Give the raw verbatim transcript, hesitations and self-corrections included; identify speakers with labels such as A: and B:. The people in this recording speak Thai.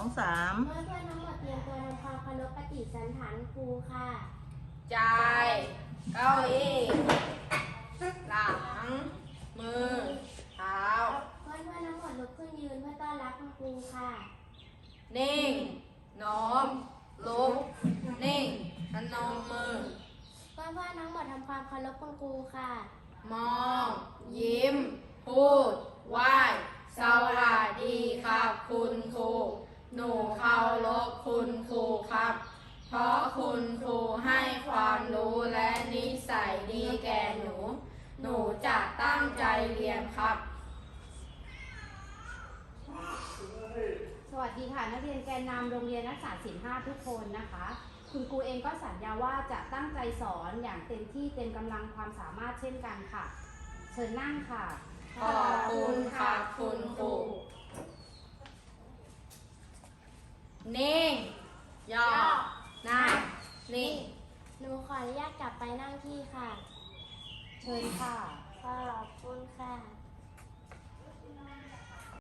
A: สาม
B: เมื่อเพื่อนทั้งหมดเตรียมตัวทำความเคารพปฏิสันถานครูค่ะ
C: ใจเก้าอี้หลัง มือ เท้า
B: เพื่อนเพื่อนทั้งหมดลุกขึ้นยืนเพื่อต้อนรับคุณครูค่ะ
C: นิ่ง น้อม ลุก นิ่งพนมมือ
B: เพื่อนเพื่อนทั้งหมดทำความเคารพคุณครูค่ะ
C: มอง ยิ้ม พูด ไหว้ สวัสดีครับคุณครู หนูเคารพคุณครูครับ เพราะคุณครูให้ความรู้และนิสัยดีแก่หนู หนูจะตั้งใจเรียนครับ
D: สวัสดีค่ะนักเรียนแกนนำโรงเรียนนักศึกษาศิลป์ห้าทุกคนนะคะ คุณครูเองก็สัญญาว่าจะตั้งใจสอนอย่างเต็มที่เต็มกำลังความสามารถเช่นกันค่ะ เชิญนั่งค่ะ
C: ขอบคุณค่ะคุณครูนิ่งย่อนั่งนิ่ง
B: หนูขออนุญาตกลับไปนั่งที่ค่ะ
D: เชิญค่ะ
B: ค่ะ